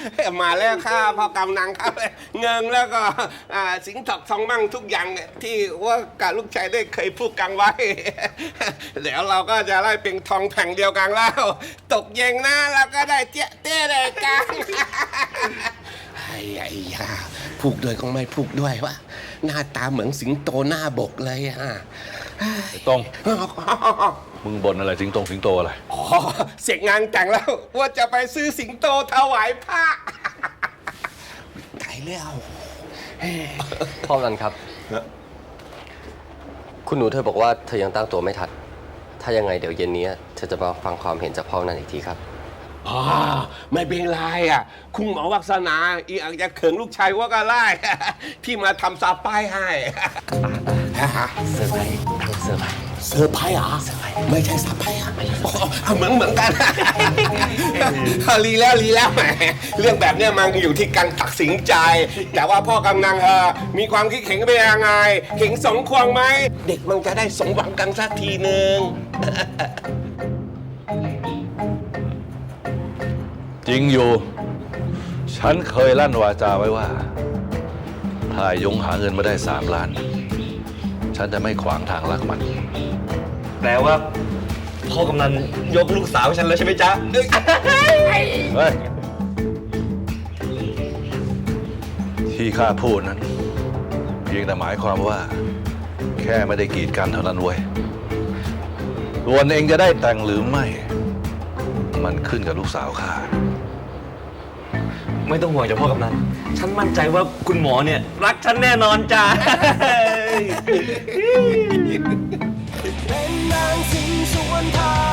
มาแล้วข้าพ่อกำนังครับเงินแล้วก็สิงห์ทองทองมั่งทุกอย่างที่ว่ากับลูกชายได้เคยพูดกันไว้ เดี๋ยวเราก็จะได้เป็นทองแผ่งเดียวกันแล้ว ตกเย็นนะเราก็ได้เจ๊ะเต้เลยกัน ไอ้ยาพูกด้วยก็ไม่พูกด้วยวะหน้าตาเหมือนสิงโตหน้าบกเลยฮะตรง มึงบ่นอะไรสิงโตอะไรอ๋อเสร็จงานแต่งแล้วว่าจะไปซื้อสิงโตถวายพระตายแล้วพ่อกันครับ คุณหนูเธอบอกว่าเธอยังตั้งตัวไม่ทันถ้ายังไงเดี๋ยวเย็นนี้เธอจะมาฟังความเห็นจากพ่อนั้นอีกทีครับอ๋อไม่เป็นไรคุณหมอวัฒนาอีอาจจะเขินลูกชายว่าก็ไล่ ที่มาทำซาป้ายให้เซอร์ไพรส์ทั้งเซอร์ไพรส์เซอร์ไพรส์เหรอไม่ใช่ซาป้ายเหมือนกัน ลีแล้วแหมเรื่องแบบเนี้ยมันอยู่ที่การตัดสินใจ แต่ว่าพ่อกำนังมีความคิดเห็นเป็นยังไงเห็นสมควรไหมเด็กมันจะได้สมหวังกันสักทีหนึ่งจริงอยู่ ฉันเคยลั่นวาจาไว้ว่า ถ้ายงหาเงินมาได้3 ล้าน ฉันจะไม่ขวางทางรักมันแปลว่าพ่อกำนันยกลูกสาวฉันแล้วใช่ไหมจ๊ะเฮ้ย ที่ข้าพูดนั้น เพียงแต่หมายความว่า แค่ไม่ได้กีดกันเท่านั้นเว้ยส่วนเองจะได้แต่งหรือไม่ มันขึ้นกับลูกสาวข้าไม่ต้องห่วงจ้ะพ่อกำนัน ฉันมั่นใจว่าคุณหมอเนี่ยรักฉันแน่นอนจ้ะเป็นนางสิงสวนทาง